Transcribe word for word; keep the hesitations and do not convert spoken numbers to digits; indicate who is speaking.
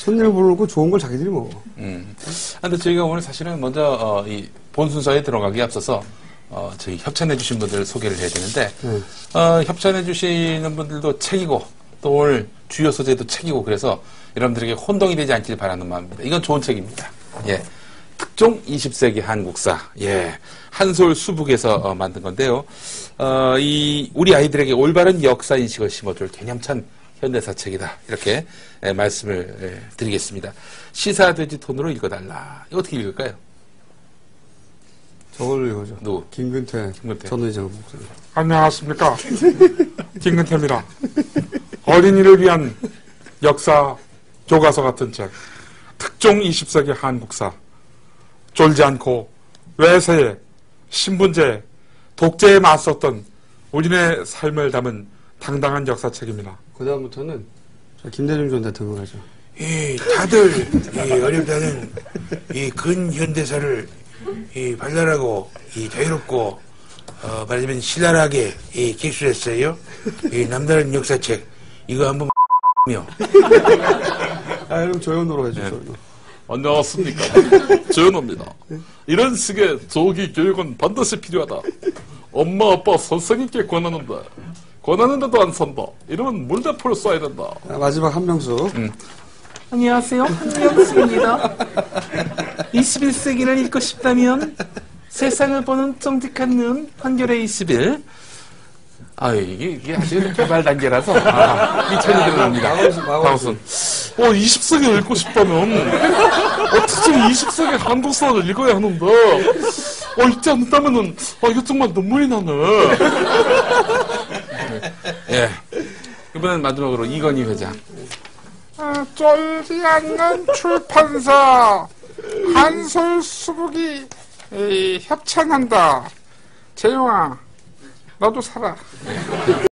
Speaker 1: 손님을 부르고 좋은 걸 자기들이 먹어.
Speaker 2: 음. 근데 저희가 오늘 사실은 먼저, 어, 이 본 순서에 들어가기 앞서서, 어, 저희 협찬해주신 분들 소개를 해야 되는데, 음. 어, 협찬해주시는 분들도 책이고, 또 오늘 주요 소재도 책이고, 그래서 여러분들에게 혼동이 되지 않길 바라는 마음입니다. 이건 좋은 책입니다. 예. 특종 이십 세기 한국사. 예. 한솔 수북에서 어, 만든 건데요. 어, 이, 우리 아이들에게 올바른 역사인식을 심어줄 개념찬 현대사 책이다. 이렇게 예, 말씀을 예, 드리겠습니다. 시사돼지 톤으로 읽어달라. 이거 어떻게 읽을까요?
Speaker 1: 저걸 읽어줘.
Speaker 2: 누구?
Speaker 1: 김근태,
Speaker 2: 김근태.
Speaker 1: 전 의장 목사님.
Speaker 3: 안녕하십니까. 김근태입니다. 어린이를 위한 역사 교과서 같은 책. 특종 이십 세기 한국사. 쫄지 않고 외세에, 신분제, 독재에 맞섰던 우리네 삶을 담은 당당한 역사책입니다.
Speaker 1: 그 다음부터는 김대중 전 대통령 하죠.
Speaker 4: 이 다들 이 어렵다는 이 근현대사를 이 발랄하고 이 자유롭고 어 말하자면 신랄하게 이 기술했어요. 이 남다른 역사책 이거 한번 며.
Speaker 1: 아 그럼 조연으로 해줘.
Speaker 2: 네.
Speaker 1: 조연으로.
Speaker 5: 안녕하십니까. 조현호입니다. 이런 식의 조기 교육은 반드시 필요하다. 엄마 아빠 선생님께 권하는데 권하는데도 안 산다. 이러면 물대포를 쏴야 된다.
Speaker 1: 아, 마지막 한명수.
Speaker 2: 음. 안녕하세요. 한명수입니다. 이십일 세기를 읽고 싶다면 세상을 보는 쫑득한 눈 한겨레 이십일. 아 이게, 이게 아직 개발 단계라서 아, 이 책이 들어갑니다.
Speaker 5: 방순. 어, 이십 세기를 읽고 싶다면 어떻게 이십 세기 한국사를 읽어야 하는데 어, 읽지 않는다면은 아, 이거 정말 눈물이 나네.
Speaker 2: 예. 이번엔 마지막으로 이건희 회장.
Speaker 3: 아, 쫄지 않는 출판사 한솔 수북이 이, 협찬한다. 재용아 너도 살아.